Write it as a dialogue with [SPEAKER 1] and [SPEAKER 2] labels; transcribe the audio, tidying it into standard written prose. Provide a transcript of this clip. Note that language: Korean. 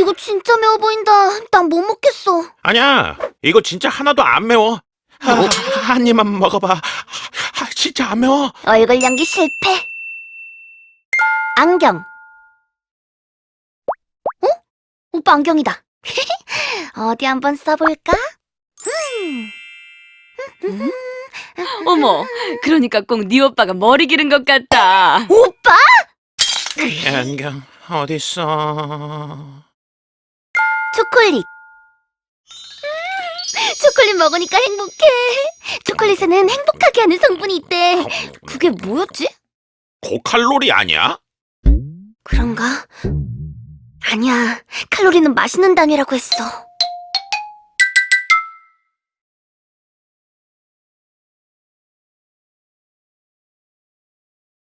[SPEAKER 1] 이거 진짜 매워 보인다. 난 못 먹겠어.
[SPEAKER 2] 아니야, 이거 진짜 하나도 안 매워. 한 입만 먹어봐. 진짜 안 매워.
[SPEAKER 1] 얼굴 연기 실패. 안경. 어? 오빠 안경이다. 어디 한번 써볼까?
[SPEAKER 3] 어머, 그러니까 꼭 네 오빠가 머리 기른 것 같다.
[SPEAKER 1] 오빠?
[SPEAKER 2] 안경 어딨어?
[SPEAKER 1] 초콜릿. 초콜릿 먹으니까 행복해. 초콜릿에는 행복하게 하는 성분이 있대. 그게 뭐였지?
[SPEAKER 2] 고칼로리 아니야?
[SPEAKER 1] 그런가? 아니야. 칼로리는 맛있는 단위라고 했어.